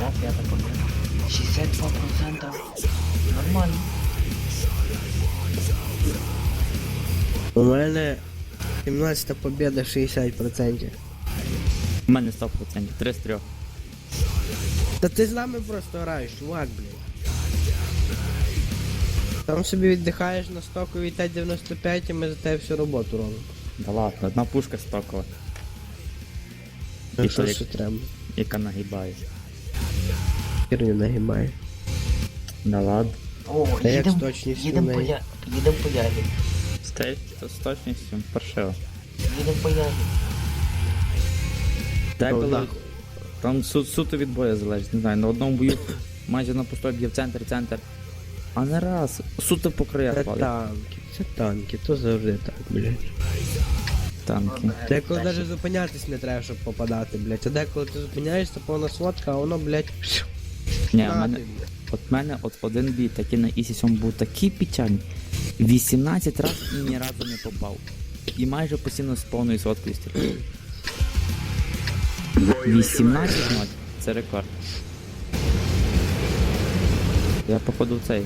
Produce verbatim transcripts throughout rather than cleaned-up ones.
О, п'ята победа. шістдесят два процента. Нормально. У мене сімнадцята победа, шістдесят відсотків. У мене сто відсотків, три з трьох. Та ти з нами просто граєш, чувак, блін. Там собі віддихаєш на стоковій Т дев'яносто п'ять, і ми за тебе всю роботу робимо. Да ладно, одна пушка стокова, Ну І що то ще треба? яка нагибає. Херню нагибає. Да ладно. О, Та як з їдем, точністю їдем в по неї? я... їдем по ягід. Стейт з точністю паршиво. Їдем по ягід. Деколи нахуй. там су суто від бою залежить, не знаю, на одному бою майже на пустой б'є в центр, центр. А не раз, суто по краях Це палить. танки, це танки, то завжди так, блядь. Танки. Деколи навіть зупинятись не треба, щоб попадати, блядь. А деколи ти зупиняєшся, повна сводка, а воно, блядь, Ні, на у мене, ти, блядь. от мене от один бій такий на Ісі сьом був такий печальний. вісімнадцять разів і ні разу не попав. І майже постійно з повною соткою стріляв. вісімнадцять ноль, це рекорд. Я походу в цей.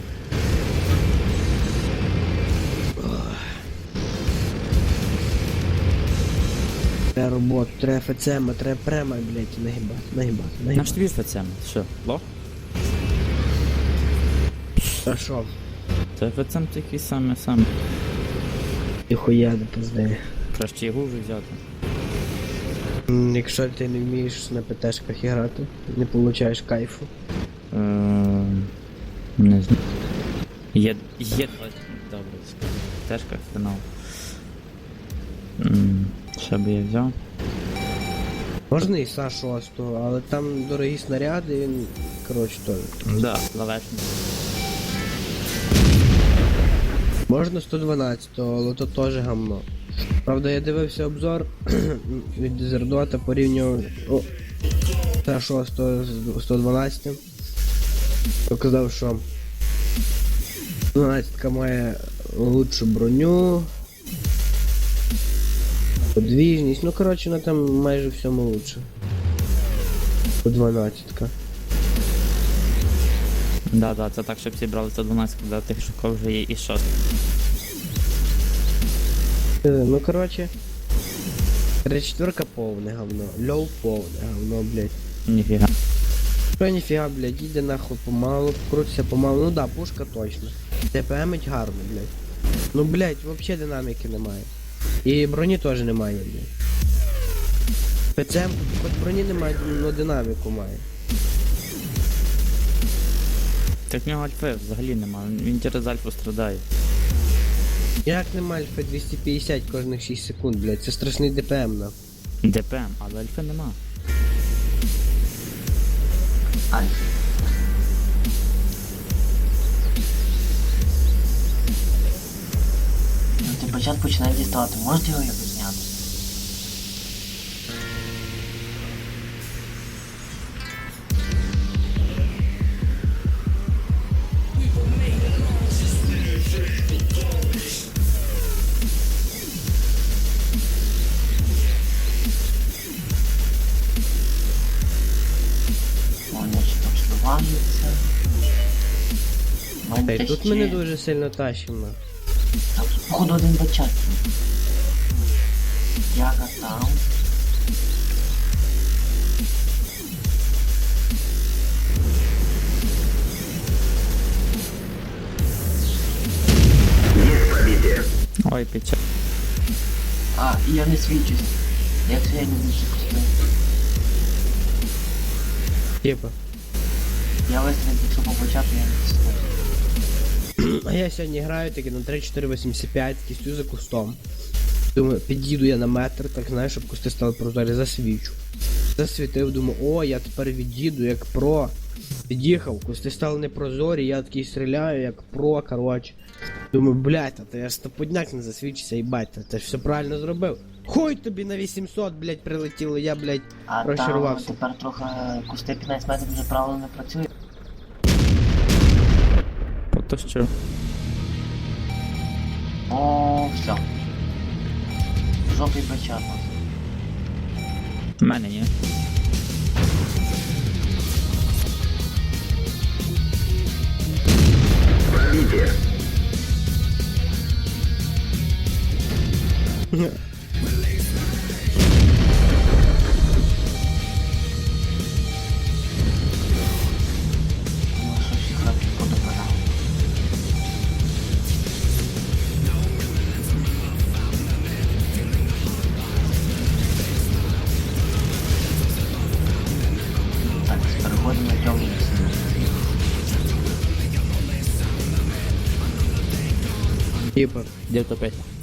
Треба роботу, треба ФЦМ, треба прямо, блядь, нагибати, нагибати, Наш нагибати. тобі ФЦМ, що, лох? А що? Це ФЦМ такий самий самий. І хуя не пизди. Краще його вже взяти. М, Якщо ти не вмієш на ПТшках грати, не получаєш кайфу. Ем, Не знаю. Є, є, добре, скажу. Тежка фінал. М, Що би я взяв? Можна і Са шість, але там дорогі снаряди, він, коротше, то. Да, лавешник. Можна сто дванадцять, але то теж гамно. Правда, я дивився обзор від Дезердота, порівнював о, Са шість з сто дванадцять. Показав, що дванадцять має лучшу броню, подвіжність, ну коротше, вона там майже всьому лучше. По дванадцять. Да, да, це так, щоб всі брали сто дванадцять, коли тих шуков вже є і шост. Е, Ну коротше, тридцять четвірка повне говно, льов повне говно, блядь. Ніфіга. Що ніфіга, блядь, іде нахуй помалу, крутиться помалу, ну да, пушка точно. ТПМить гарно, блядь. Ну, блядь, вообще динаміки немає. І броні теж немає, блядь. ПЦМ, хоч броні немає, но динаміку має. Так в нього альфи взагалі нема, він через альфу страдає. Як немає альфа двісті п'ятдесят кожних шість секунд, блядь, це страшний ДПМ, на. ДПМ, але альфи нема. Альф. Ну ти початку починає діставати. Можете його якось зняти? Вони ще там сливаються. Та й тут мене дуже сильно тащимо. Там, походу, один бачать. Яга там. Ой, печаль. А, і я не свідчусь. Як це я не свідчусь? Типа. Я вистрілив, якщо побачати, я не свідчусь. А я сьогодні граю таки на три чотири вісімдесят п'ять, стою за кустом. Думаю, під'їду я на метр, так знаєш, щоб кусти стали прозорі, засвічу. Засвітив, думаю, о, я тепер від'їду як про. Під'їхав, кусти стали непрозорі, я такий стріляю як про, коротше. Думаю, блядь, а то я стопудняк не засвічився, їбать, ти ж все правильно зробив. Хуй тобі на вісімсот, блядь, прилетіло, я, блядь, А там розчарувався. тепер трохи кусти п'ятнадцять метрів вже правильно не працює. То що? О, все. Жопий бачат. В мене ні. Ну, що всі хлопці подобрали. Так, переходимо на темну сцену. Типа. Де то п'ять?